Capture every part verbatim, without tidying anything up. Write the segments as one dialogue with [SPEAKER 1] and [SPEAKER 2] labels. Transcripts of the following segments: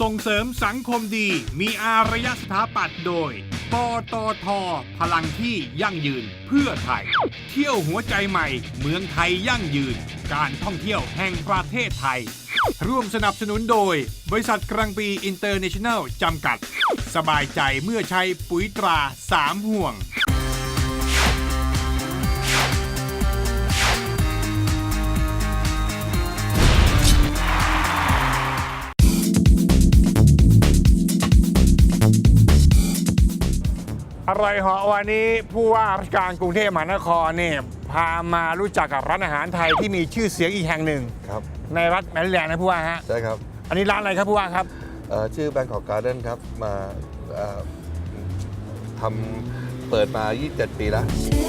[SPEAKER 1] ส่งเสริมสังคมดีมีอารยสถาปัตย์โดยปตท.พลังที่ยั่งยืนเพื่อไทยเที่ยวหัวใจใหม่เมืองไทยยั่งยืนการท่องเที่ยวแห่งประเทศไทยร่วมสนับสนุนโดยบริษัทกรังปีอินเตอร์เนชั่นแนลจำกัดสบายใจเมื่อใช้ปุ๋ยตราสามห่วงอร่อยเหาะวันนี้ผู้ว่าราชการกรุงเทพมหานครเนี่ยพามารู้จักกับร้านอาหารไทยที่มีชื่อเสียงอีกแห่งหนึ่ง
[SPEAKER 2] ครับ
[SPEAKER 1] ในรัฐแมริแลนด์นะผู้ว่าฮะ
[SPEAKER 2] ใช่ครับ
[SPEAKER 1] อันนี้ร้านอะไรครับผู้ว่าครับ
[SPEAKER 2] ชื่อ Bangkok Garden ครับมาทำเปิดมายี่สิบเจ็ดปีแล้ว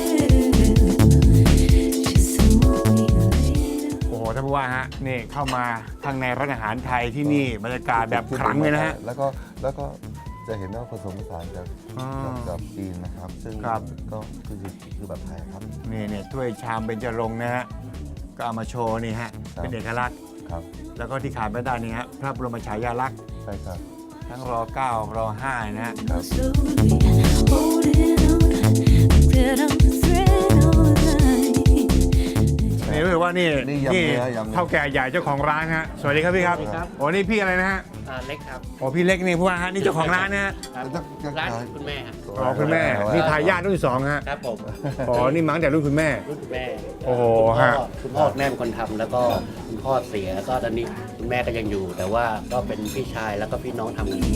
[SPEAKER 1] โอ้โหท่านผู้ว่าฮะนี่เข้ามาทางในร้านอาหารไทยที่นี่บรรยากาศแบบขลังเลยนะฮะ
[SPEAKER 2] แล้วก็แล้วก็จะเห็นว่าผสมผสานกับกับจีนนะครับซึ่งก็คือคือแบบไทยครับ
[SPEAKER 1] นี่เนี่ยถ้วยชามเบญจรงค์นะฮะก็เอามาโชว์นี่ฮะเป็นเอกลักษณ์
[SPEAKER 2] ครับ
[SPEAKER 1] แล้วก็ที่ขาดไม่ได้นี่ฮะพระบรมฉายาลักษณ์
[SPEAKER 2] ใช่ครับ
[SPEAKER 1] ทั้งรอเก้ารอห้านะฮะนี่รู้สึกว่านี่นี่เท่าแก่ใหญ่เจ้าของร้านฮะสวัสดีครับพี่ครับโอ้นี่พี่อะไรนะฮะ
[SPEAKER 3] เล็กครับ
[SPEAKER 1] โอ้พี่เล็กนี่ผู้ว่าฮะนี่เจ้าของร้านนะฮะ
[SPEAKER 3] ร้านคุณแม่ครับ
[SPEAKER 1] อ๋อคุณแม่นี่ทายาทรุ่นสองฮะ
[SPEAKER 3] ครับผม
[SPEAKER 1] อ๋อนี่มั้งแต่รุ่นคุณแม่
[SPEAKER 3] รุ่นคุณแม่
[SPEAKER 1] โอ้โหฮะ
[SPEAKER 3] คุณพ่อแม่เป็นคนทำแล้วก็คุณพ่อเสียก็ตอนนี้คุณแม่ก็ยังอยู่แต่ว่าก็เป็นพี่ชายแล้วก็พี่น้องทำกัน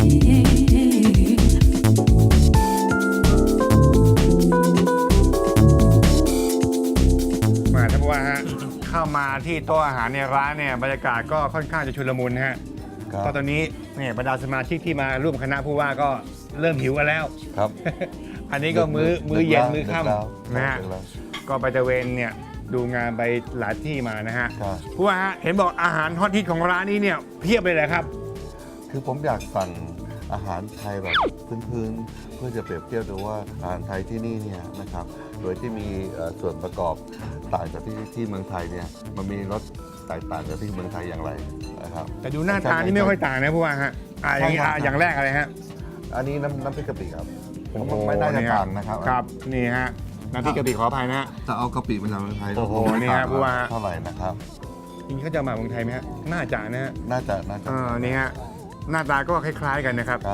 [SPEAKER 1] มาท่านผู้ว่าฮะเข้ามาที่โต๊ะอาหารในร้านเนี่ยบรรยากาศก็ค่อนข้างจะชุลมุนฮะก็ตอนนี้เนี่ยบรรดาสมาชิกที่มาร่วมคณะผู้ว่าก็เริ่มหิวกันแล้ว
[SPEAKER 2] ครับ
[SPEAKER 1] อันนี้ก็มื้อมื้อเย็นมื้อค่ำนะฮะก็ไปตะเวนเนี่ยดูงานไปหลายที่มานะฮะผู้ว่าฮะเห็นบอกอาหารฮอตฮิตของร้านนี้เนี่ยเพียบเลยเลยครับ
[SPEAKER 2] คือผมอยากสั่งอาหารไทยแบบพื้นๆเพื่อจะเปรียบเทียบดูว่าอาหารไทยที่นี่เนี่ยนะครับโดยที่มีส่วนประกอบต่างจากที่ที่เมืองไทยเนี่ยมันมีรสแตกต่างจากที่เมืองไทยอย่างไรนะครับ
[SPEAKER 1] แต่ดูหน้าตานี่ไม่ค่อยต่างนะผู้ว่าฮะอ่าอย่างนี้อย่างแรกอะไรฮะ
[SPEAKER 2] อันนี้น้ำน้ำพริกกะปิครับไม่ได้จะต่างนะครับ
[SPEAKER 1] ครับนี่ฮะน้ำพริกกะปิขออภัยนะฮะ
[SPEAKER 2] จะเอากะปิมาจากเมืองไทย
[SPEAKER 1] โอ้โหนี่ฮะผู้ว่า
[SPEAKER 2] เท่าไหร่นะครับ
[SPEAKER 1] จริงเขาจะมาเมืองไทยไหมฮะน่าจะนะฮะ
[SPEAKER 2] น่าจะน่าจะ
[SPEAKER 1] อ่านี่ฮะหน้าตาก็คล้ายๆกันนะครับ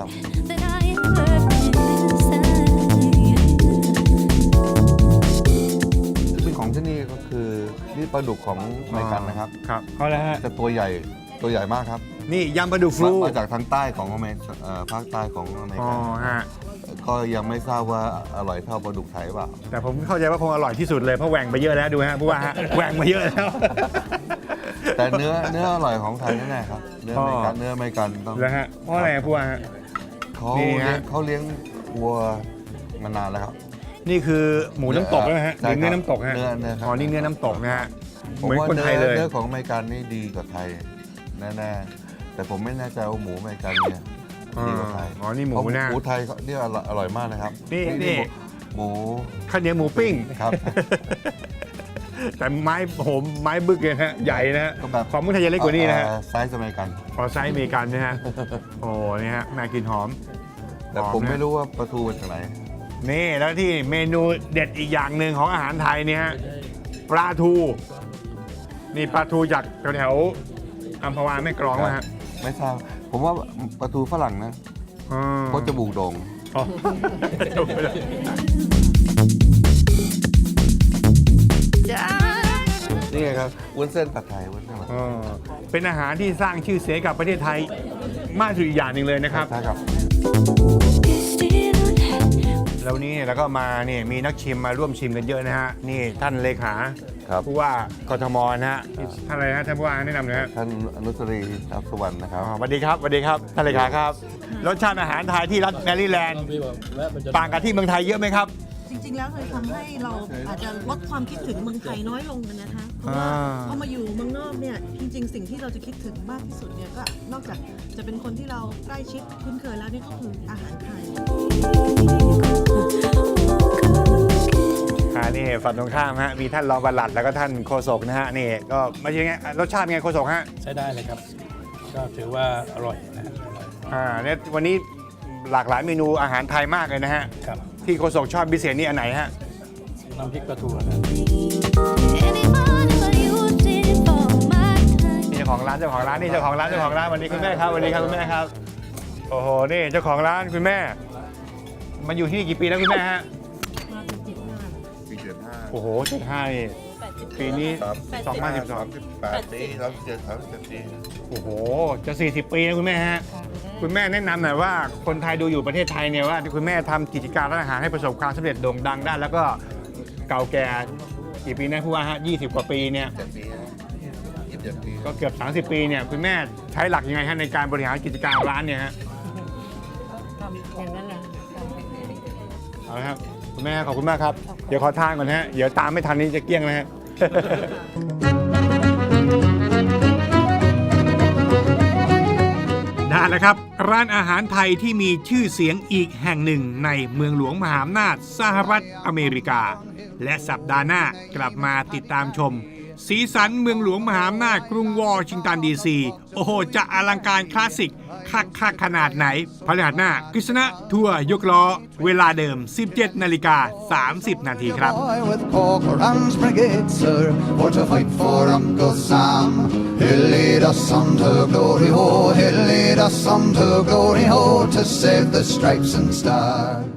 [SPEAKER 2] ที่เป็นของที่นี่ก็คือนี่ปลาดุกของอเมริกันนะครับ
[SPEAKER 1] ครับเขาแล้วฮะ
[SPEAKER 2] จะตัวใหญ่ตัวใหญ่มากครับ
[SPEAKER 1] นี่ยำปลาดุกฟลู
[SPEAKER 2] มาจากทางใต้ของอเมริกาภาคใต้ของอเมริกา
[SPEAKER 1] อ๋อฮะ
[SPEAKER 2] ก็ยังไม่ทราบว่าอร่อยเท่าปลาดุกไทยเปล่า
[SPEAKER 1] แต่ผมเข้าใจว่าคงอร่อยที่สุดเลยเพราะแหว่งไปเยอะแล้วดูฮะผู้ว่าฮะแหว่งมาเยอะแล้ว
[SPEAKER 2] แต่เนื้อเนื้ออร่อยของไทยแน่ๆครับเนื้อไม่กันเนื้อไม่กัน
[SPEAKER 1] ต้องแล้วฮะเพราะอะไรผู้ว่า
[SPEAKER 2] เขาเลี้ยงเขาเลี้ยงวัวมานานแล้วครับ
[SPEAKER 1] นี่คือหมูน้ำตกนะฮะหรือเนื้อน้ำตกฮะ
[SPEAKER 2] เนื้อเนื้อ
[SPEAKER 1] อ๋อนี่เนื้อน้ำตกนะฮะ
[SPEAKER 2] เหมือนคนไทยเลยเนื้อของอเมริกันนี่ดีกว่าไทยแน่ๆแต่ผมไม่แน่ใจว่าหมูอเมริกันเนี่ยดีกว่าไทย
[SPEAKER 1] อ๋อนี่หมูนะ
[SPEAKER 2] หมูไทยเนี่ยอร่อยมากนะครับ
[SPEAKER 1] นี่นี่
[SPEAKER 2] หมู
[SPEAKER 1] ข้าวเหนียวหมูปิ้ง
[SPEAKER 2] ครับ
[SPEAKER 1] แต่ไม้โหมไม้บึกเลยฮะใหญ่นะฮะของเมืองไทยจะเล็กกว่านี้นะฮะ
[SPEAKER 2] ไซส์อเมริกัน
[SPEAKER 1] พอไซส์อเมริกันนะฮะโอ้นี่ฮะน่ากินหอม
[SPEAKER 2] แต่ผมไม่รู้ว่าปลาทูเป็นอะไร
[SPEAKER 1] นี่แล้วที่เมนูเด็ดอีกอย่างหนึ่งของอาหารไทยเนี่ยฮะปลาทูนี่ปลาทูจากแถวอัมพวาแม่กลองนะฮะ
[SPEAKER 2] ไม่ทราบผมว่าปลาทูฝรั่งนะเพราะจมูกโด่งนี่ไงครับวุ้นเส้นผัดไทยวุ้นเส้นผัดไทย
[SPEAKER 1] เป็นอาหารที่สร้างชื่อเสียงกับประเทศไทยมากสุดอีกอย่างหนึ่งเลยนะครับ
[SPEAKER 2] ใช่ครับ
[SPEAKER 1] แล้วนี้แล้วก็มาเนี่ยมีนักชิมมาร่วมชิมกันเยอะนะฮะนี่ท่านเลขาผู้ว่ากทมนะฮะท่านอะไรฮะท่านผู้ว่าแนะนำหน่อยฮะ
[SPEAKER 2] ท่านอนุสรีทัพสุวรรณนะครับ
[SPEAKER 1] สวัสดีครับสวัสดีครับท่านเลขาครับรสชาติอาหารไทยที่รัฐแมริแลนด์ต่างกับที่เมืองไทยเยอะไหมครับ
[SPEAKER 4] จริงๆแล้วเลยทำให้เราอาจจะลดความคิดถึงเมืองไทยน้อยลงกันนะคะเพราะว่าพอมาอยู่เมืองนอกเนี่ยจริงๆสิ่งที่เราจะคิดถึงมากที่สุดเนี่ยก็นอกจากจะเป็นคนที่เราใกล้ชิดคุ้นเคยแล้วนี่ก็คืออาหารไทย
[SPEAKER 1] ค่ะนี่ฝั่งตรงข้ามฮะมีท่านรองปลัดแล้วก็ท่านโฆษกนะฮะนี่ก็ไม่ใช่ไงรสชาติไงโฆษกฮะ
[SPEAKER 5] ใช้ได้เลยครับก็ถือว่าอร่อยนะฮะ
[SPEAKER 1] อ่าเนี่ยวันนี้หลากหลายเมนูอาหารไทยมากเลยนะฮะ
[SPEAKER 5] ครับ
[SPEAKER 1] ที่โฆษกชอบพิเศษนี่อันไหนฮะ
[SPEAKER 5] น้ำพริกปลาทูนะ
[SPEAKER 1] นี่เจ้าของร้านเจ้าของร้านนี่เจ้าของร้านเจ้าของร้านวันนี้คุณแม่ครับวันนี้ครับคุณแม่ครับโอ้โหนี่เจ้าของร้านคุณแม่มาอยู่ที่นี่กี่ปีแล้วคุณแม่ฮะ
[SPEAKER 2] ปีเจ็ดห้า
[SPEAKER 1] โอ้โหเจ็ดห้านี่ปีนี้
[SPEAKER 2] ครับ
[SPEAKER 1] สองพันสิบสอง
[SPEAKER 2] สิบแปดปีสามสิบเจ็ดสามสิบเจ็ดปี
[SPEAKER 1] โอ้โหจะสี่สิบปีนะคุณแม่ฮะคุณแม่แนะนำหน่อยว่าคนไทยดูอยู่ประเทศไทยเนี่ยว่าคุณแม่ทำกิจการร้านอาหารให้ประสบความสำเร็จโด่งดังได้แล้วก็เก่าแก่กี่ปีนะผู้ว่าฮะยี่สิบกว่าปีเนี่ย
[SPEAKER 2] เจ็ดปียี่สิบเจ็ดปี
[SPEAKER 1] ก็เกือบสามสิบปีเนี่ยคุณแม่ใช้หลักยังไงฮะในการบริหารกิจการร้านเนี่ยฮะ
[SPEAKER 6] ทำอย่างนั้นแหละ
[SPEAKER 1] เอาละครับคุณแม่ขอบคุณมากครับเดี๋ยวขอทานก่อนฮะเดี๋ยวตามไม่ทันนี้จะเกลี้ยงนะฮะ ได้แล้วครับ ร้านอาหารไทยที่มีชื่อเสียงอีกแห่งหนึ่งในเมืองหลวงมหาอำนาจสหรัฐอเมริกา และสัปดาห์หน้ากลับมาติดตามชม สีสันเมืองหลวงมหาอำนาจกรุงวอชิงตันดีซีโอ้โห จะอลังการคลาสสิกคักคักขนาดไหนพฤหัสหน้ากฤษณะทัวร์ยกล้อ เวลาเดิม สิบเจ็ดนาฬิกาสามสิบนาทีครับ
[SPEAKER 7] Boy with Corcoran's brigade, sir, for to fight for Uncle Sam. He'll lead us on to glory, ho, he'll lead us on to glory, ho, to save the stripes and stars.